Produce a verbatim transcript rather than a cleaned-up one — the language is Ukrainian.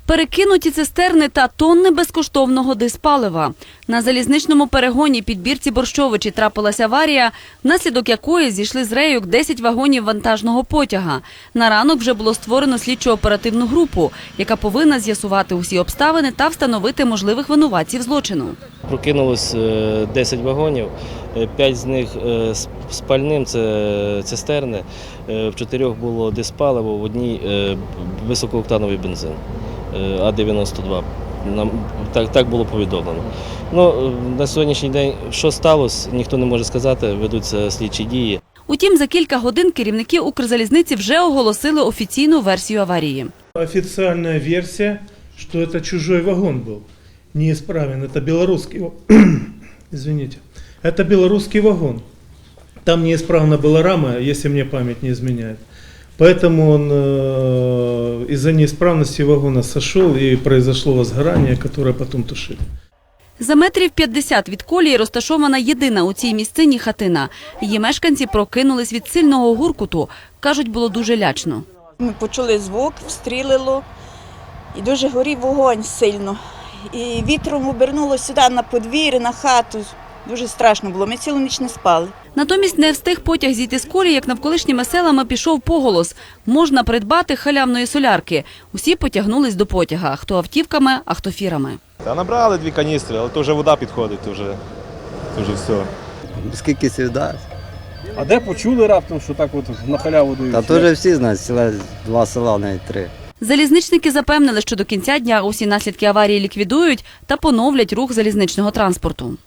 Перекинуті цистерни та тонни безкоштовного диспалива. На залізничному перегоні під Бірці Борщовичі трапилася аварія, внаслідок якої зійшли з рейок десять вагонів вантажного потяга. На ранок вже було створено слідчо-оперативну групу, яка повинна з'ясувати усі обставини та встановити можливих винуватців злочину. Прокинулось десять вагонів, п'ять з них з пальним – це цистерни, в чотирьох було диспаливо, в одній високооктановий бензин. А дев'яносто два. Нам так, так було повідомлено. Ну, на сьогоднішній день, що сталося, ніхто не може сказати, ведуться слідчі дії. Утім, за кілька годин керівники Укрзалізниці вже оголосили офіційну версію аварії. Офіційна версія, що це чужой вагон був, неисправен, це білоруський, извините, це білоруський вагон. Там неисправна була рама, якщо мені пам'ять не зміняє. Поэтому он э, из-за неисправности вагона сошел и произошло возгорание, которое потом тушили. За метрів п'ятдесят від колії розташована єдина у цій місцині хатина. Її мешканці прокинулись від сильного гуркуту. Кажуть, було дуже лячно. Ми почули звук, встрілило і дуже горів вогонь сильно. І вітром обернуло сюди на подвір'я, на хату. Дуже страшно було, ми цілу ніч не спали. Натомість не встиг потяг зійти з колії, як навколишніми селами пішов поголос. Можна придбати халявної солярки. Усі потягнулись до потяга, хто автівками, а хто фірами. Та набрали дві каністри, але то вже вода підходить, то вже, то вже все. Скільки слів дасть? А де почули раптом, що так от на халяву дають? Та то вже всі знають, села, два села, навіть три. Залізничники запевнили, що до кінця дня усі наслідки аварії ліквідують та поновлять рух залізничного транспорту.